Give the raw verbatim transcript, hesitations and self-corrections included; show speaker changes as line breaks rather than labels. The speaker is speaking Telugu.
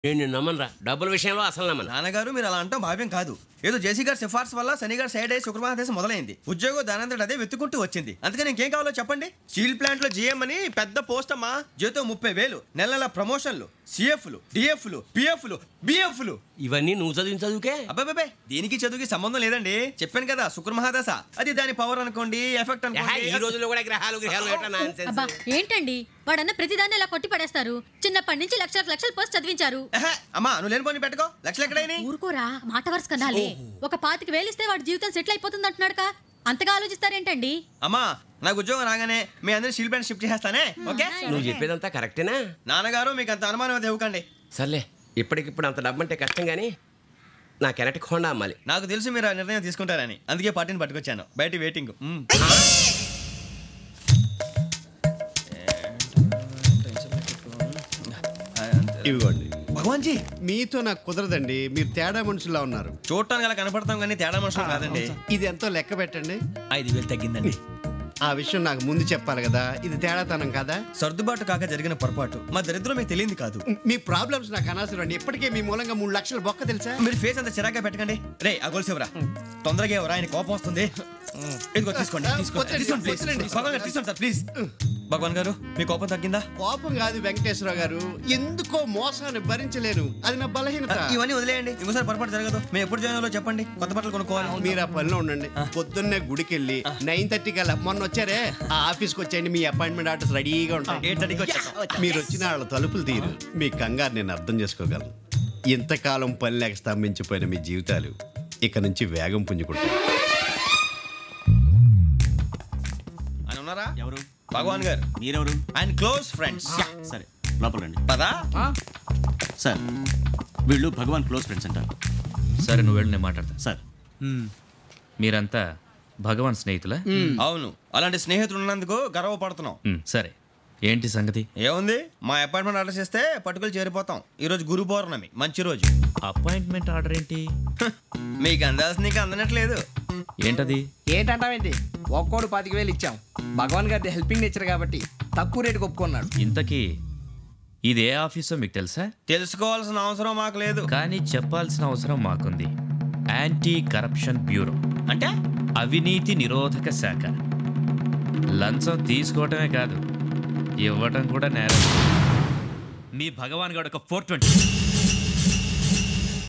నేను నమ్మనరా, డబ్బుల విషయంలో అసలు నమ్మను.
నాన్నగారు మీరు అలా అంటాం భావ్యం కాదు. ఏదో జేసీ గారి సిఫార్సు వల్ల శని గారు సైడ్ అయ్యి శుక్రమహాదేశం మొదలైంది. ఉద్యోగం దానంతటి అదే వెతుకుంటూ వచ్చింది. అందుకని ఇంకేం కావాలో చెప్పండి. స్టీల్ ప్లాంట్ లో జీఎం అని పెద్ద పోస్ట్ అమ్మా. జీతం ముప్పై వేలు, నెల నెల ప్రమోషన్లు, సిఎఫ్లు, డిఎఫ్లు, పిఎఫ్లు, బిఎఫ్లు.
ఇవన్నీ నువ్వు చదివిన చదువుకే?
అబ్బాబే దీనికి చదువుకి సంబంధం లేదండి. చెప్పాను కదా శుక్రమహాదశ, అది దాని పవర్ అనుకోండి, ఎఫెక్ట్ అనుకోండి.
ఈ రోజుల్లో కూడా గ్రహాలు గ్రహాలు
అబ్బా ఏంటండి వాడన్న ప్రతిదాన్ని ఇలా కొట్టి పడేస్తారు. చిన్నప్పటి నుంచి లక్షలకు లక్షలు పోస్ట్ చదివించారు.
అమ్మా నువ్వు లేని పోనీ పెట్టుకో. లక్షలు ఎక్కడైనా
ఊరుకోరా, మాట వరుస కనాలి. ఒక పాతికి వేలిస్తే వాడి జీవితం సెటిల్ అయిపోతుంది అంటున్నాడుగా, అంతగా ఆలోచిస్తారేంటండి?
అమ్మా నాకు ఉద్యోగం రాగానే మీ అందరూ స్టీల్ ప్లాంట్ షిఫ్ట్ చేస్తానే. ఓకే,
నువ్వు చెప్పేదంతా కరెక్టేనా?
నాన్నగారు మీకు అంత అనుమానం అది ఇవ్వకండి.
సర్లే, ఇప్పటికిప్పుడు అంత డబ్బు అంటే కష్టం కానీ నా కెనటిక్ హోండా అమ్మాలి.
నాకు తెలుసు మీరు ఆ నిర్ణయం తీసుకుంటారని, అందుకే పార్టీని పట్టుకొచ్చాను. బయట వెయిటింగ్.
ఇవ్వండి.
భగవాన్ జీ
మీతో నాకు కుదరదండి, మీరు తేడా మనుషుల్లా ఉన్నారు.
చూడటానికి అలా కనపడతాం కానీ తేడా మనుషులు కాదండి.
ఇది ఎంతో లెక్క పెట్టండి.
ఐదు వేలు తగ్గిందండి.
ఆ విషయం నాకు ముందు చెప్పాలి కదా, ఇది తేడాతనం కదా.
సర్దుబాటు కాక జరిగిన పొరపాటు. మా దరిద్రం మీకు తెలియదు కాదు.
మీ ప్రాబ్లమ్స్ నాకు అనవసరం అండి. ఇప్పటికే మీ మూలంగా మూడు లక్షల బొక్క తెలుసా.
మీరు ఫేస్ అంత చిరాగ్గా పెట్టకండి. రే ఆ గొలుసేవరా, తొందరగా ఎవరా, ఆయన కోపం వస్తుంది. ఇదిగో తీసుకోండి, తీసుకోండి, తీసుకోండి ప్లీజ్. భగవాన్ గారు తీసుకోండి సార్ ప్లీజ్. భగవాన్ గారు మీ కోపం తగ్గిందా?
కోపం కాదు వెంకటేశ్వర గారు, ఎందుకో మోసాన్ని భరించలేను, అది నా బలహీనత.
ఇవన్నీ వదిలేయండి, ఇంకోసారి పొరపాటు జరగదు. మేము ఎప్పుడు జాయిన్ అవ్వాలో చెప్పండి, కొత్త బట్టలు కొనుక్కోవాలి.
మీరు ఆ పనిలో ఉండండి. పొద్దున్నే గుడికి వెళ్ళి నైన్ థర్టీ కల్లా, మొన్న వచ్చారే ఆ ఆఫీస్కి వచ్చేయండి. మీ అపాయింట్మెంట్ ఆర్డర్స్ రెడీగా ఉంటాయి.
ఎయిట్ థర్టీకి వచ్చేస్తాం.
మీరు వచ్చిన వాళ్ళ తలుపులు తీరు. మీ కంగారు నేను అర్థం చేసుకోగలను. ఇంతకాలం పని లేక స్తంభించిపోయిన మీ జీవితాలు ఇక నుంచి వేగం పుంజుకుంటాయి.
ఆయన ఉన్నారా?
ఎవరు?
భగవాన్ గారు.
మీరెవరు?
ఆయన క్లోజ్ ఫ్రెండ్స్.
సరే లోపల రండి.
పదా
సార్ వీళ్ళు భగవాన్ క్లోజ్ ఫ్రెండ్స్ అంటారు.
సరే నువ్వు వెళ్ళి నేను మాట్లాడతా.
సార్
మీరంతా భగవాన్ స్నేహితులా?
అవును, అలాంటి స్నేహితులు ఉన్నందుకు గర్వపడుతున్నాం.
సరే ఏంటి సంగతి?
ఏముంది, మా అపాయింట్మెంట్ ఆర్డర్ చేస్తే పట్టుకులు చేరిపోతాం. ఈ రోజు గురు పౌర్ణమి, మంచి రోజు.
అపాయింట్మెంట్ ఆర్డర్ ఏంటి?
మీకు అందాల్సిన నీకు అందనట్లేదు.
ఏంటది?
ఏంటంటావేంటి? ఒక్కోడు పాతిక వేలు ఇచ్చాం. భగవాన్ గారి హెల్పింగ్ నేచర్ కాబట్టి తక్కువ రేటుకి ఒప్పుకున్నాడు.
ఇంతకీ ఇది ఏ ఆఫీసో మీకు తెలుసా?
తెలుసుకోవాల్సిన అవసరం మాకు లేదు,
కానీ చెప్పాల్సిన అవసరం మాకుంది. యాంటీ కరప్షన్ బ్యూరో
అంటే
అవినీతి నిరోధక శాఖ. లంచం తీసుకోవటమే కాదు, ఇవ్వటం కూడా నేరం. మీ భగవాన్ గారు ఒక ఫోర్ ట్వంటీ